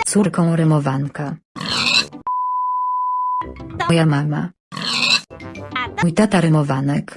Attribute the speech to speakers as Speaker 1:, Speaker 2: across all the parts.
Speaker 1: córką rymowanka. Moja mama. Mój tata rymowanek.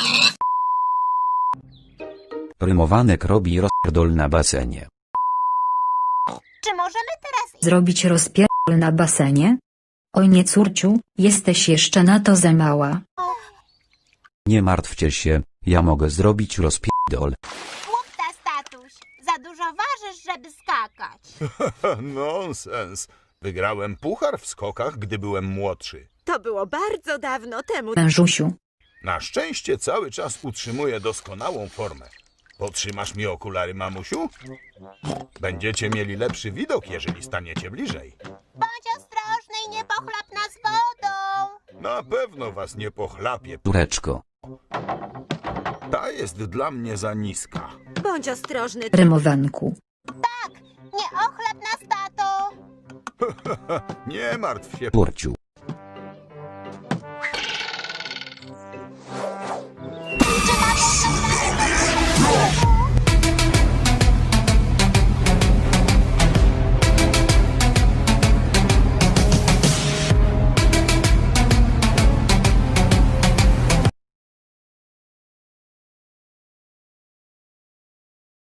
Speaker 2: Rymowanek robi rozpierdol na basenie.
Speaker 3: Czy możemy teraz
Speaker 1: Zrobić rozpierdol na basenie? Oj nie córciu, jesteś jeszcze na to za mała.
Speaker 2: Nie martwcie się, ja mogę zrobić rozpierdol.
Speaker 3: Głupta, statuś? Za dużo ważysz, żeby skakać.
Speaker 4: Nonsens. Wygrałem puchar w skokach, gdy byłem młodszy.
Speaker 5: To było bardzo dawno temu.
Speaker 1: Mężusiu.
Speaker 4: Na szczęście cały czas utrzymuję doskonałą formę. Potrzymasz mi okulary, mamusiu? Będziecie mieli lepszy widok, jeżeli staniecie bliżej.
Speaker 3: Bądź ostrożny i nie pochlap nas wodą.
Speaker 4: Na pewno was nie pochlapię.
Speaker 2: Córeczko.
Speaker 4: Ta jest dla mnie za niska.
Speaker 5: Bądź ostrożny.
Speaker 1: Rymowanku.
Speaker 3: Nie ochlap nas, tato.
Speaker 4: Nie martw się.
Speaker 2: Turciu.